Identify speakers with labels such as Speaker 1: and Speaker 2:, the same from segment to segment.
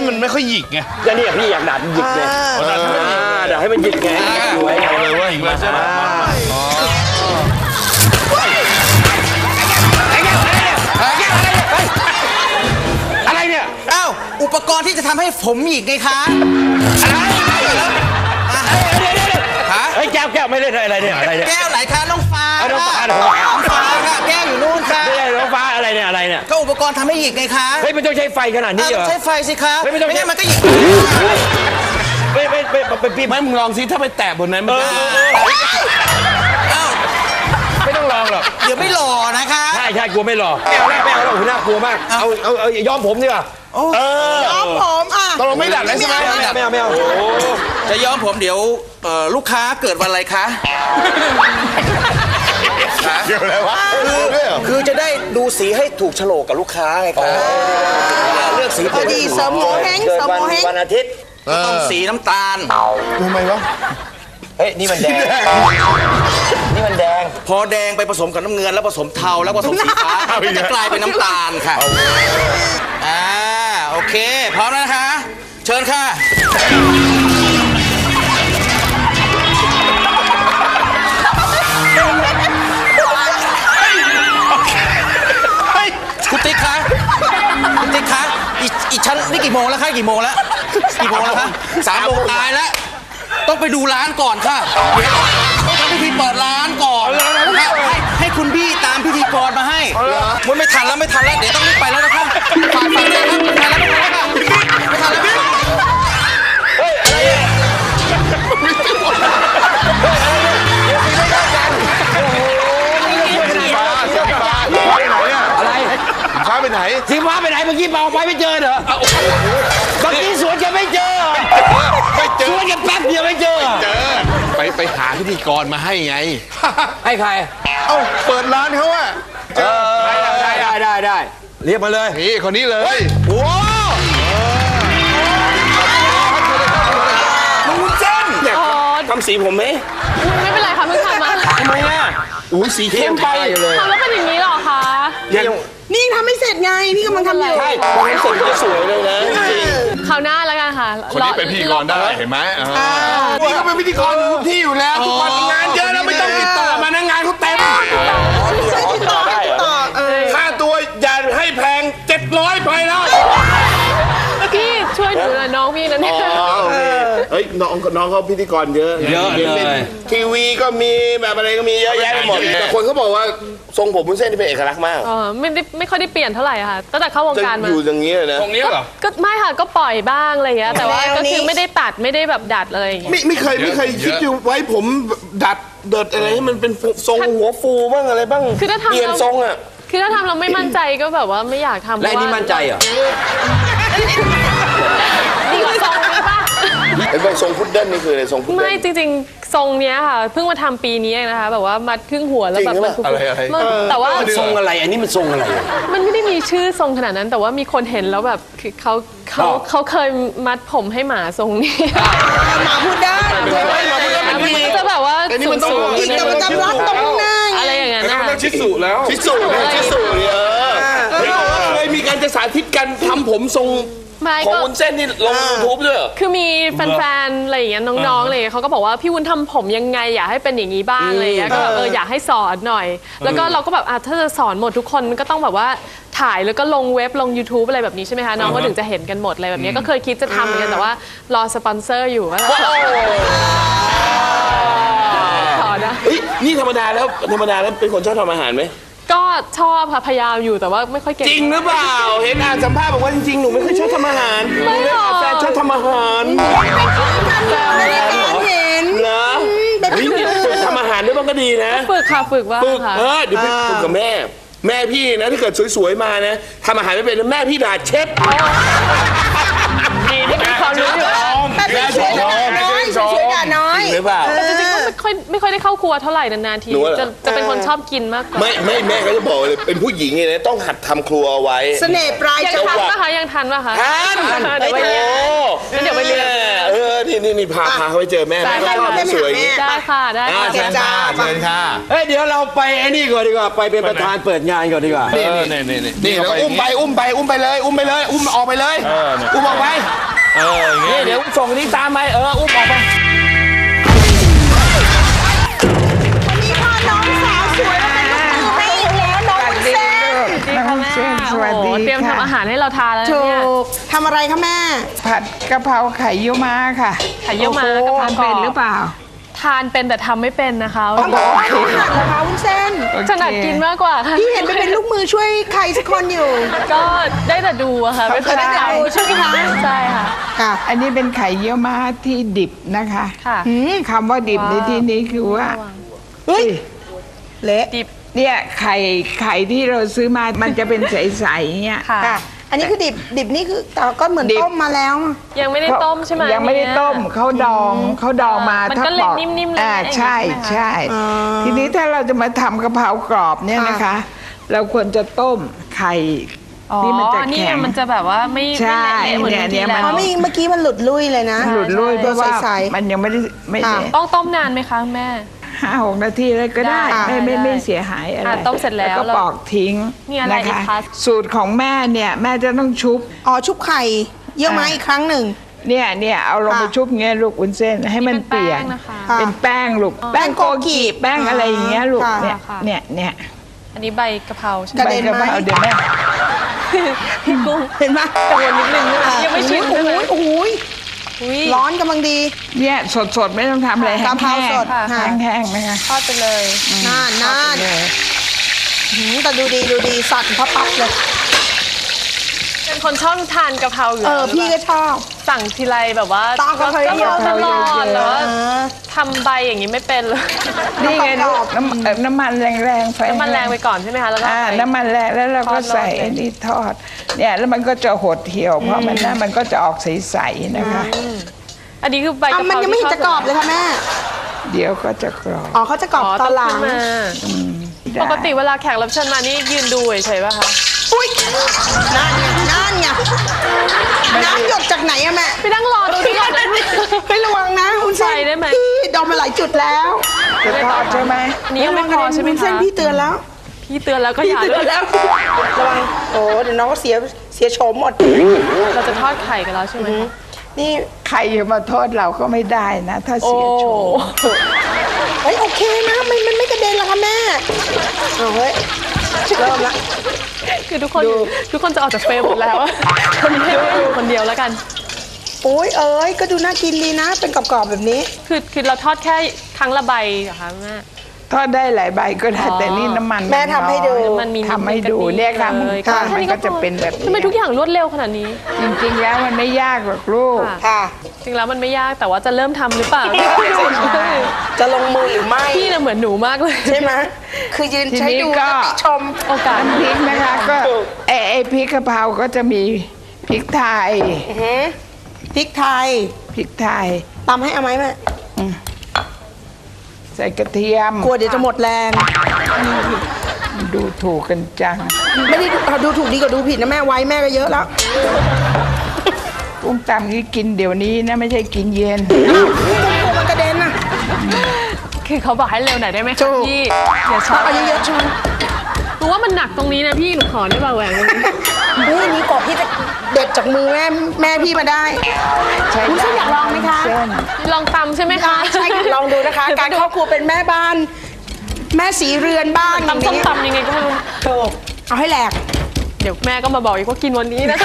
Speaker 1: มันไม่ค่อยหยิกไง
Speaker 2: แล้วนี่พี่อยากดัดหยิกเลยดัดให้มันหยิกไงสวย
Speaker 1: เลยว่าหยิกเลยใช่ไหม
Speaker 2: อะไรเนี่ย
Speaker 3: อ้าวอุปกรณ์ที่จะทำให้ผมหยิกไงคะ
Speaker 2: เฮ้ยแก้วไม่เล่นอะไรเนี่ยอะไรเนี่ย
Speaker 3: แก้วไหนคะน้องฟ้า
Speaker 2: น้องฟ้า
Speaker 3: ค่ะแก้วอยู่นู่นค่ะ
Speaker 2: น้องฟ้าอะไรเนี่ยอะไรเนี่ย
Speaker 3: ก็อุปกรณ์ทำให้หยิกไงคะ
Speaker 2: เฮ้ยมันต้องใช้ไฟขนาดนี้เหรอ
Speaker 3: ใช้ไฟสิคะไม่งั้นมันก็หยิก
Speaker 1: ไม่มึงลองซิถ้าไปแตะบนนั้นมัน
Speaker 2: ไม่ต้องลองหรอก
Speaker 3: เดี๋ยวไม่หล่อนะคะ
Speaker 2: ใช่กลัวไม่หล่อไม่เอาหรอกน่ากลัวมากเอาย้อมผมดีกว่า
Speaker 3: ย้อมผม
Speaker 1: ตกลงไม่ดัดเลยใช่ไหม
Speaker 2: ไม่เอา
Speaker 3: จะย้อมผมเดี๋ยวลูกค้าเกิดวันอะไรคะ
Speaker 1: เกี่ยวอะไรวะ
Speaker 3: คือจะได้ดูสีให้ถูกโฉลกกับลูกค้าไงครับเลือกสี
Speaker 4: พอดีเสริมโมเฮงเสริมโมเฮง
Speaker 2: วันอาทิตย์
Speaker 3: ต้องสีน้ำตาล
Speaker 1: ทำไมวะ
Speaker 2: เฮ้ยนี่มันแดงนี่มันแดง
Speaker 3: พอแดงไปผสมกับน้ำเงินแล้วผสมเทาแล้วผสมสีฟ้าก็จะกลายเป็นน้ำตาลค่ะโอเคพร้อมแล้วนะคะเชิญค่ะคุณติ๊กคะอีชั้นนี่กี่โมงแล้วคะกี่โมงแล้วคะ3 โมงตายแล้วต้องไปดูร้านก่อนค่ะต้องทำพิธีเปิดร้านก่อนให้คุณพี่ตามพิธีกรมาให้มันไม่ทันแล้วเดี๋ยวต้องรีบไปแล้วนะคะฝากเลยครับไม่ทันแล้ว
Speaker 2: เฮ้ยอะไรเนี่ย
Speaker 1: ฟ้าไปไหน
Speaker 2: สีฟ้าไปไหนเมื่อกี้เอาไปไม่เจอเหรอเมื่อกี้สวนแกไม่เจอสวนแกแป๊บเดียวไม่เจอ
Speaker 1: ไปหาพิธีกรมาให้ไง
Speaker 2: ให้ใคร
Speaker 1: เปิดร้านเขาอะ
Speaker 2: ได้เรียกมาเลย
Speaker 1: นี่คนนี้เลย
Speaker 2: โอ้
Speaker 3: ลุงเส้น
Speaker 2: ทำสีผมไหม
Speaker 4: ไม่เป็นไรค่ะเพิ่งทำมา
Speaker 2: ทำไมอ่ะ
Speaker 1: สีเข้มไป
Speaker 4: เลยทำแล้วเป็นอย่างนี้หรอคะนี่ทำไม่เสร็จไงนี่กำลังทำอยู่
Speaker 2: ใช่พอทำเสร็จจะสวยเลยนะ
Speaker 4: คราวหน้าแล้วกันค่ะ
Speaker 1: คนนี้เป็นพิธีกรได้เห็นไหมนี่ก็เป็นพิธีกรทุกที่อยู่แล้วทุกวันงานเยอะแล้วไม่ต้องติดต่อมานะงานเขาเต็ม
Speaker 4: ติดต่อ
Speaker 1: ค่าตัวอย่าให้แพง700ไปแล้ว
Speaker 4: พี่ช่วยหนูหน่อยน้องพี่นั่นเนี่ย
Speaker 1: เฮ้ยน้องเขาพิธีกรเยอะเลยทีวีก็มีแบบอะไรก็มีเยอะแยะไปหมดแต่คนเขาบอกว่าทรงผมวุ้นเส้นที่เป็นเอกลักษณ์มาก
Speaker 4: ไม่ค่อยได้เปลี่ยนเท่าไหร่ค่ะตั้งแต่เข้าวงการมา
Speaker 1: อยู่อย่างนี้เลยนะ
Speaker 2: ตรงนี้เหรอ
Speaker 4: ก็ไม่ค่ะก็ปล่อยบ้างอะไรอย่างเงี้ยแต่ว่าก็คือไม่ได้ตัดไม่ได้แบบดัดอะไรอย่างเงี้ย
Speaker 1: ไม่เคยคิดอยู่ไว้ผมดัดเดิดอะไรให้มันเป็นทรงหัวฟูบ้างอะไรบ้าง
Speaker 4: คือถ้าทำ
Speaker 1: เปลี่ยนทรงอ่ะ
Speaker 4: คือถ้าทำเราไม่มั่นใจก็แบบว่าไม่อยากทำ
Speaker 2: และนี่มั่นใจเหรอ
Speaker 4: ดีกว่าทรงนี้ป่ะ
Speaker 1: เป็นทรงพุดเดิ้ลนี่คืออะไรทรงพุดเดิ้ล
Speaker 4: ไม่จริงๆทรงเนี้ยค่ะเพิ่งมาทำปีนี้เองนะคะแบบว่ามัดครึ่งหัวแล้วแบบมัน
Speaker 1: อะไร
Speaker 4: แต่ว่า
Speaker 2: ทรงอะไรอันนี้มันทรงอะไร
Speaker 4: มันไม่ได้มีชื่อทรงขนาดนั้นแต่ว่ามีคนเห็นแล้วแบบคือเขาเคยมัดผมให้หมาทรงนี้
Speaker 3: หมาพูดได้
Speaker 4: มันจะแบบว่าสูง
Speaker 3: อีกแต่มันจะรัดตรงหน้า
Speaker 4: อะไรอย่างเงี้ยนะ
Speaker 1: ชิสุแล้วชิสุเคยมีการจะสาธิตกันทำผมทรงของวุ้นเส้นนี่ลง YouTube ด้วย
Speaker 4: คือมีแฟนๆอะไรอย่างเงี้ยน้องๆเลยเขาก็บอกว่าพี่วุ้นทำผมยังไงอยากให้เป็นอย่างนี้บ้างอะไรอย่างเงี้ยก็อยากให้สอนหน่อยแล้วก็เราก็แบบถ้าจะสอนหมดทุกคนก็ต้องแบบว่าถ่ายแล้วก็ลงเว็บลง YouTube อะไรแบบนี้ใช่ไหมคะน้องก็ถึงจะเห็นกันหมดอะไรแบบนี้ก็เคยคิดจะทำเหมือนกันแต่ว่ารอสปอนเซอร์อยู่ขอนะ
Speaker 1: นี่ธรรมดาแล้วเป็นคนชอบทำอาหารไหม
Speaker 4: ก็ชอบค่ะพยายามอยู่แต่ว่าไม่ค่อยเก่ง
Speaker 1: จริงหรือเปล่าเห็นสัมภาษณ์บอกว่าจริงๆหนูไม่ค่อยชอบทำอาหาร
Speaker 4: ไม่หรอก
Speaker 1: แฟนชอบทำอาหาร
Speaker 4: เห็น
Speaker 1: เหรอฝึกทำอาหารด้วยมันก็ดีนะ
Speaker 4: ฝึกว่าค่ะ
Speaker 1: เดี๋ยวไปฝึกกับแม่พี่นะถ้าเกิดสวยๆมานะทำอาหารไม่เป็นแม่พี่ด่าเชฟ
Speaker 4: ดีที่มีความรู้อยู่
Speaker 1: แม่ช่วย
Speaker 3: ด่าน้อย
Speaker 1: หรือเปล่า
Speaker 4: แต่จริงๆก็ไม่ค่อยได้เข้าครัวเท่าไหร่นานๆทีจะเป็นคนชอบกินมากกว่า
Speaker 1: ไม่แม่เขาจะบอกเลยเป็นผู้หญิงเนี่ยต้องหัดทำครัวเอาไว้
Speaker 3: เสน่ห์ปลาย
Speaker 4: ยังทันป่ะคะทัน
Speaker 1: เดี๋ยวไปเรียนนี่พาเขาไปเจอแม่แม่ก็ชอบสวยอย่างนี้
Speaker 4: ได้ค่ะได้ค่ะ
Speaker 1: เชิญค่ะเชิญค่ะ
Speaker 2: เฮ้ยเดี๋ยวเราไปไอ้นี่ก่อนดีกว่าไปเป็นประธานเปิดงานก่อนดีกว่า
Speaker 1: นี่แล้วอุ้มไปเลยอุ้มออกไปเลยอุ้มออกไปนี่เดี๋ยวส่งนี้ตามไปอุ้มออกไป
Speaker 5: วันนี้พาน้องสาวสวยมาเป็นลูกมือให้อีกแล้วน้องวุ้นเส้น
Speaker 4: น้องเส้นสวัสดีเตรียมทำอาหารให้เราทานแล้ว
Speaker 5: ถู
Speaker 4: เนี่ย
Speaker 5: กทำอะไรคะแม่
Speaker 6: ผัดกะเพราไข่เยี่ยวม้าค่ะ
Speaker 4: ไข่เยี่ยวม้ากะเพรา
Speaker 6: ทานเป็นหรือเปล่า
Speaker 4: ทานเป็นแต่ทำไม่เป็นนะคะ
Speaker 5: ต้องบอกว่าเขาหัดเหรอคะวุ้นเส้น
Speaker 4: ถนัดกินมากกว่าค่ะ
Speaker 5: พี่เห็นไปเป็นลูกมือช่วยใครสักคนอยู่
Speaker 4: ก็ได้แต่ดูอะค่ะไม่เคย
Speaker 5: ได้แต่ดูใช่ไหมคะ
Speaker 4: ใช่ค่ะ
Speaker 5: ค่ะ
Speaker 6: อันนี้เป็นไข่เยี่ยวม้าที่ดิบนะคะ
Speaker 4: ค่ะ
Speaker 6: คำว่าดิบในที่นี้คือว่า
Speaker 5: เฮ้ยเละ
Speaker 4: ดิบ
Speaker 6: เนี่ยไข่ที่เราซื้อมามันจะเป็นใสๆเนี่ย
Speaker 4: ค่ะ
Speaker 5: ค่ะ อันนี้คือดิบนี่คือแต่ก็เหมือน
Speaker 6: ดิบ
Speaker 5: ต้มมาแล้ว
Speaker 4: ยังไม่ได้ต้มใช่ไหม
Speaker 6: ยังไม่ได้ต้มเขาดองมา
Speaker 4: มัน
Speaker 6: ถ้า
Speaker 4: ก็เลย
Speaker 6: บอก
Speaker 4: นิ่มๆเลย
Speaker 6: ใช่
Speaker 4: ใช่ไหมคะ
Speaker 6: ใช่ทีนี้ถ้าเราจะมาทำกะเพรากรอบเนี่ยนะคะ เราควรจะต้มไข่
Speaker 4: อ๋อ
Speaker 6: ที่มันจะ
Speaker 4: นี่
Speaker 6: แข็ง
Speaker 4: มันจะแบบว่าไม่
Speaker 6: ใช่
Speaker 4: ไม่เละเหมือน
Speaker 6: เนี่ย
Speaker 4: ที่
Speaker 6: เนี่ย
Speaker 4: แล้
Speaker 5: เพ
Speaker 4: ว
Speaker 5: ราะเมื่อกี้มันหลุดลุ่ยเลยนะ
Speaker 6: หลุดลุ่ยเพราะว่า
Speaker 5: ใสๆ
Speaker 6: มันยังไม่ได้
Speaker 5: ค่ะ
Speaker 4: ต้องต้มนานไหมคะแม่
Speaker 6: 5-6 นาทีเลยก็ได้
Speaker 4: ได้
Speaker 6: ไม่
Speaker 4: ได้
Speaker 6: เสียหายอะไร
Speaker 4: ต้มเสร็จแล้ว
Speaker 6: ก็ปอกทิ้ง
Speaker 4: มีอะไร
Speaker 6: นะ
Speaker 4: อีก
Speaker 6: คะ
Speaker 4: คะ
Speaker 6: สูตรของแม่เนี่ยแม่จะต้องชุบ
Speaker 5: อ๋อชุบไข่เยี่ยวม้าอีกครั้งหนึ่ง
Speaker 6: เนี่ยเอาลงไป
Speaker 5: ค่ะ
Speaker 6: ชุบเงี้ยลูกวุ้นเส้นให้มันเปียก
Speaker 4: เป็นแป้งนะคะ
Speaker 5: ค่ะ
Speaker 6: เป็นแป้งลูกแป้งโกกิแป้งอะไรอย่างเงี้ยลูก
Speaker 5: ค่ะ
Speaker 6: เนี่ย
Speaker 4: ค่ะ
Speaker 6: เนี่ย
Speaker 4: อันนี้ใบกะเพราใช่ไห
Speaker 5: ก
Speaker 4: ม
Speaker 5: ระเด็นไหม
Speaker 6: ใบกะเพราเดี๋ยวแม่
Speaker 4: พี่กุ้ง
Speaker 5: เห็นไหม
Speaker 4: กังวลนิดนึงนะคะยังไม่ชิมใช่ไหม
Speaker 5: โอ้โห
Speaker 4: อุ๊ย
Speaker 5: ร้อนกำลังดี
Speaker 6: เนี่ยสดไม่ต้องทำอะไร
Speaker 5: กะเพราสด
Speaker 6: แห้งๆแห้งๆนะคะ
Speaker 4: ทอดไปเลย
Speaker 5: น่าน
Speaker 6: เลย
Speaker 5: แต่ดูดีสั่นพับเลย
Speaker 4: เป็นคนชอบทานกะเพราอยู่แล้ว
Speaker 5: พี่ก็ชอบ
Speaker 4: สั่งทีไรแบบว่า
Speaker 5: ตามกะเพราเยอะ
Speaker 4: ตลอดแต่ว่า
Speaker 5: เออ
Speaker 4: ทำใบอย่างนี้ไม่เป็นเลย
Speaker 6: นี่ไงลูก
Speaker 5: กรอบ
Speaker 6: น้ำมันแรงๆไฟ
Speaker 4: น้ำมันแรงไปก่อนใช่ไหมคะแล้วก็
Speaker 6: อ่า
Speaker 4: ใส่
Speaker 6: น้ำมันแรงแล้วเราก็
Speaker 4: ทอด
Speaker 6: ใส่
Speaker 4: เลย
Speaker 6: ไอ้นี่ทอดเนี่ยแล้วมันก็จะหดเหี่ยวเพราะมันก็จะออกใสๆนะคะ
Speaker 4: อันนี้คือใบกะ
Speaker 5: อ่ะ
Speaker 4: เพรา
Speaker 5: มันยังไม่เห็นจะกรอบเลยค่ะแม่
Speaker 6: เดี๋ยวก็จะกรอบ
Speaker 5: อ๋อเขาจะกรอบ
Speaker 4: อ๋อ
Speaker 5: ต
Speaker 4: ต้
Speaker 5: อ
Speaker 4: อน ง
Speaker 5: หลั
Speaker 4: ขึ้
Speaker 5: ง
Speaker 4: นมา
Speaker 6: ได้
Speaker 4: ปกติเวลาแขกรับเชิญมานี่ยืนดูเฉยๆป่ะคะ
Speaker 5: อุ้ยนั่นไงน้ำหยดจากไหนอะแม่
Speaker 4: ไปนั่งรอดูที่ก่อนนะ
Speaker 5: เฮ้ยระวังนะคุณเส้น
Speaker 4: ใส่ได้ไหม
Speaker 5: พี่โดนมาหลายจุดแล้ว
Speaker 6: จะทอดใช่ไหม
Speaker 4: อันนี้ยังไม่พอใช่ไหม
Speaker 5: คุณเส้
Speaker 4: คะ
Speaker 5: นพี่เตือนแล้ว
Speaker 4: พี่เตือนแล้วก็
Speaker 5: พี่
Speaker 4: อย่า
Speaker 5: เตือนแล้วระวังโอ้เดี๋ยวน้องก็เสียโฉมหมด
Speaker 4: เราจะทอดไข่กันแล้วใช่ไหมคะ
Speaker 5: นี่
Speaker 6: ใครจะมาโทษเราก็ไม่ได้นะ ถ้า
Speaker 4: โอ้
Speaker 6: เสียโฉม
Speaker 5: เฮ้ยโอเคนะมันไม่กระเด็นหรอกค่ะแม่เอาเฮ้ยเริ่มละ
Speaker 4: คือทุกคนจะออกจากเฟรมหมดแล้วคนนี้ให้แม่อยู่คนเดียวแล้วกัน
Speaker 5: โอ้ยเอ้ยก็ดูน่ากินดีนะ เป็นกรอบๆแบบนี้
Speaker 4: คือเราทอดแค่ครั้งละใบเหรอคะแม่
Speaker 6: ทอดได้หลายใบก็ได้
Speaker 4: อ๋อ
Speaker 6: แต่นี่น้ำมัน
Speaker 5: แม่ทำให้ดู
Speaker 6: น้อย
Speaker 4: มันมี
Speaker 6: ทำให้ดู
Speaker 4: กะทิ
Speaker 6: เนี่ยค่ะ
Speaker 4: เลย
Speaker 6: ทอด
Speaker 4: แค่
Speaker 6: มันก็จะเป็นแบบ
Speaker 4: ทำไม
Speaker 6: นี้
Speaker 4: ทุกอย่างรวดเร็วขนาดนี้
Speaker 6: จริงๆแล้วมันไม่ยากหรอกลูก
Speaker 4: ค่ะ
Speaker 5: ค่ะ
Speaker 4: จริงแล้วมันไม่ยากแต่ว่าจะเริ่มทำหรือเปล่า
Speaker 5: จะลงมือหรือไม่
Speaker 4: พี่น่ะเหมือนหนูมากเลย
Speaker 5: ใช่ไหมคือยืน
Speaker 6: ที
Speaker 5: ใช้
Speaker 6: นี้
Speaker 5: ดู
Speaker 6: ก็
Speaker 5: แล้วติชม
Speaker 4: โอกาส
Speaker 6: น้ำพริกนะคะก็ไอ้พริกกะเพราก็จะมีพริกไทย
Speaker 5: พริกไทย
Speaker 6: พริกไทย
Speaker 5: ตำให้เอาไหมแม่
Speaker 6: ใส่กระเทียม
Speaker 5: กลัวเดี๋ยวจะหมดแรง
Speaker 6: ดูถูกกันจัง
Speaker 5: ไม่ได้ดูถูกดีกว่าดูผิดนะแม่ไว้แม่ก็เยอะแล้ว
Speaker 6: กุ้งตำนี่กินเดี๋ยวนี้นะไม่ใช่กินเย็น
Speaker 5: กลัวมันกระเด็นน่ะ
Speaker 4: คือเขาบอกให้เร็วหน่อยได้ไหม
Speaker 5: ถู
Speaker 4: คะ
Speaker 5: ก
Speaker 4: พี่อย่าช้า
Speaker 5: เอาเยอะๆใช่ไหม
Speaker 4: หนูว่ามันหนักตรงนี้นะพี่หนูขอได้ป่ะแหวนตรงนี้
Speaker 5: เฮ้ยนี่กรอบพี่จะเด็ดจากมือแม่พี่มาได้
Speaker 6: ใช่
Speaker 5: คุณเส้นอยากลองไหมคะ
Speaker 6: เส้น
Speaker 4: ลองตำใช่ไหมคะ
Speaker 5: ใช่ค่ะลองดูนะคะ การครอบครัวเป็นแม่บ้าน แม่สีเรือนบ้านอย่าง
Speaker 4: ตำส้ม
Speaker 5: นี้
Speaker 4: ตำยังไงก็ไม่รู้
Speaker 5: ถูกเอาให้แหลก
Speaker 4: เดี๋ยวแม่ก็มาบอกอีกว่ากินวันนี้นะคะ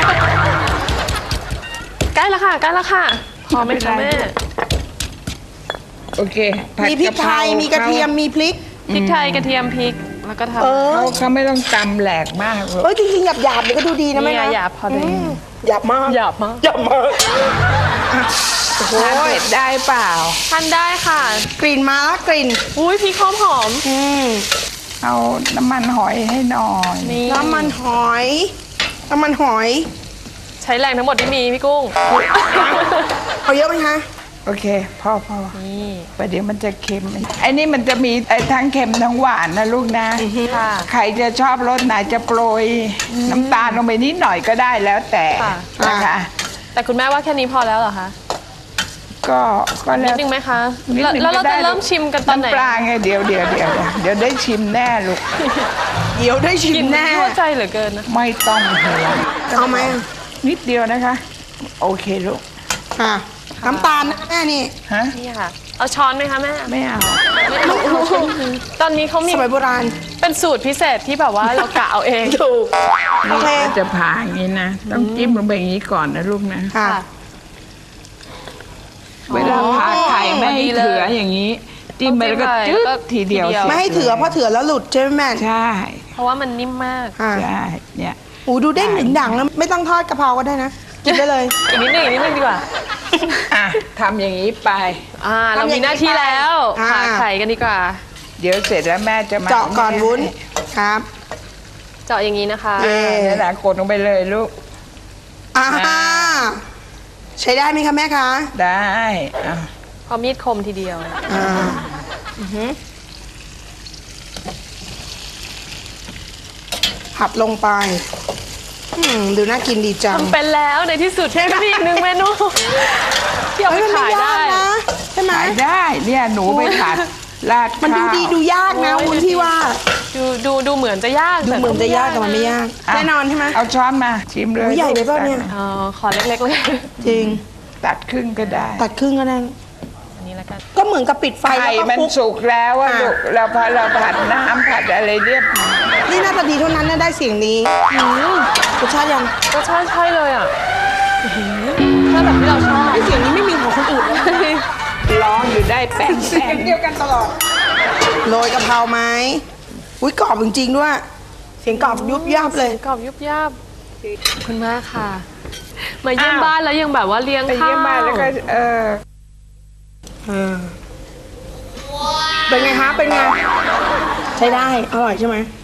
Speaker 4: ใกล้แล้วค่ะใกล้แล้วค่ะพอไหมคะแม่
Speaker 6: โอเคผัด
Speaker 5: มีพริกไทย มีกระเทียม มีพริก
Speaker 4: พริกไทยกระเทียมพริกแล้วก็ทำ
Speaker 6: เขาไม่ต้องตำแหลกมากหรอก
Speaker 5: เอ้ยจริงๆหยาบๆนี่ก็ดูดีนะแม่
Speaker 4: เนี่ย
Speaker 5: นะ
Speaker 4: หยาบพอดี
Speaker 5: หยาบมาก
Speaker 4: หยาบมาก
Speaker 5: หยาบมาก
Speaker 6: ทานเผ็ดได้เปล่า
Speaker 4: ทานได้ค่ะ
Speaker 5: กลิ่นมาแล้วกลิ่น
Speaker 4: อุ้ยพริกหอมหอม
Speaker 6: เอาน้ำมันหอยให้หน่อย
Speaker 4: นี่
Speaker 5: น้ำมันหอย น้ำมันหอย
Speaker 4: ใช้แรงทั้งหมดที่มีพี่กุ้ง
Speaker 5: เอาเยอะไหมคะ
Speaker 6: โอเคพอ
Speaker 4: นี่
Speaker 6: ประเดี๋ยวมันจะเค็มไอ้นี่มันจะมีไอ้ทั้งเค็มทั้งหวานนะลูกนะ
Speaker 4: ค่ะ
Speaker 6: ใครจะชอบรสไหนจะโปรยน้ำตาลลงไปนิดหน่อยก็ได้แล้วแต่นะคะ
Speaker 4: แต่คุณแม่ว่าแค่นี้พอแล้วเหรอคะ
Speaker 6: ก็แล้
Speaker 4: นิ
Speaker 6: ว
Speaker 4: ดนึงไหมคะ
Speaker 6: นิดนึง
Speaker 4: แล้วเรา
Speaker 6: ก็
Speaker 4: จะ
Speaker 6: ได้
Speaker 4: เริ่มชิมกันตอนไหน
Speaker 6: ำปลาไงเดี๋ยวได้ชิมแน่ลูก
Speaker 5: เดี๋ยวได้ชิ
Speaker 4: กิ
Speaker 5: ม
Speaker 4: น
Speaker 5: แน่
Speaker 4: ทั่วใจเหลือเกินนะ
Speaker 6: ไม่ต้องห่วง
Speaker 5: เอาไหม
Speaker 6: นิดเดียวนะคะ โอเคลูก
Speaker 5: อ่ะน้ำตาลนะแม่นี่
Speaker 6: ฮะ
Speaker 4: นี่ค่ะ เอาช้อนไหมคะแม่
Speaker 6: ไม่เอา
Speaker 4: ตอนนี้เขามี
Speaker 5: สมัยโบราณ
Speaker 4: เป็นสูตรพิเศษที่แบบว่าเรากะเอาเอง
Speaker 5: ถูกโอเค
Speaker 6: จะผ่าอย่างนี้นะต้องจิ้มลงไปอย่างนี้ก่อนนะลูกนะ
Speaker 5: ค่ะ
Speaker 6: เวลาผ่าไข่ไม่ให้เถืออย่างนี้จิ้มไปแล้วก็จึ๊บทีเดียว
Speaker 5: ไม่ให้เถือเพราะเถือแล้วหลุดใช่ไหมแม่
Speaker 6: ใช่
Speaker 4: เพราะว่ามันนิ่มมาก
Speaker 5: อ่ะ
Speaker 6: ใช่เนี่ย
Speaker 5: โอ้ดูเด้งหนึ่งดังแล้วไม่ต้องทอดกะเพราก็ได้นะ กินได้เลย
Speaker 4: อีกนิดนึงดีกว่า
Speaker 6: อ่ะทำอย่างนี้ไป
Speaker 4: เรามีหน้าที่แล้ว
Speaker 5: อ่า
Speaker 4: ผ่าไข่กันดีกว่า
Speaker 6: เดี๋ยวเสร็จแล้วแม่จะมา
Speaker 5: เจาะก่อนวุ้นครับ
Speaker 4: เจาะอย่างนี้นะคะ
Speaker 6: นี่นะกดลงไปเลยลูก
Speaker 5: อ่าใช้ได้ไหมคะแม่คะ
Speaker 6: ได้อ่ะ
Speaker 4: พอมีดคมทีเดียว
Speaker 5: อ่าผัดลงไปดูน่ากินดีจัง
Speaker 4: ทำเป็นแล้วในที่สุดก็มีอีกหนึ่งเมนูที่เอาไป
Speaker 5: เฮ้ยมัน
Speaker 4: ขาย
Speaker 5: ไม่ยา
Speaker 4: ได้
Speaker 5: กนะใช่ไหม
Speaker 6: ขายได้เนี่ยหนูไปผัดราด
Speaker 5: มันดู
Speaker 6: ข้าว
Speaker 5: ดีดูยากนะวุ้นพี่ว่า
Speaker 4: ดูเหมือนจะยาก
Speaker 5: ดูเหมือนจะยากแต่มันไม่ยาก
Speaker 6: ะ
Speaker 5: แน่นอนใช่ไหม
Speaker 6: เอาช้อนมาชิมเลย
Speaker 5: โอ้ยใหญ่ไปเปล่าเนี่ย
Speaker 4: ขอเล็กๆเลย
Speaker 5: จริง
Speaker 6: ตัดครึ่งก็ได้
Speaker 5: ตัดครึ่งก็ได้
Speaker 4: อันนี้แล้วกัน
Speaker 5: ก็เหมือนกับปิดไฟ
Speaker 6: ไข่
Speaker 5: แล้วก็
Speaker 6: มัน
Speaker 5: คลุก
Speaker 6: สุกแล้วอะ
Speaker 5: อ่ะ
Speaker 6: ลูกเราผัดน้ำผัดอะไรเรียบร้อย
Speaker 5: นี่น่าจะดีเท่านั้นนะได้เสียงนี้รสชาติยัง
Speaker 4: รสชาติใช่เลยอ่ะถ้าแบบที่เราชอบ
Speaker 5: เสียงนี้ไม่มีของคนอื่นเลย
Speaker 6: ร้องอยู่ได้แป้ง
Speaker 5: เสียงเดียวกันตลอดโรยกะเพราไหมอุ้ยกรอบจริงๆด้วย เสียงกรอบยุบยับเลย
Speaker 4: กรอบยุบยับขอบคุณมากค่ะ มาเยี่ยมบ้านแล้วยังแบบว่าเลี้ยง
Speaker 6: ไป
Speaker 4: ข้าว
Speaker 6: เยี่ยมมาแล้วก็
Speaker 5: เป็นไงคะเป็นไง ใช้ได้ อร่อยใช่ไหม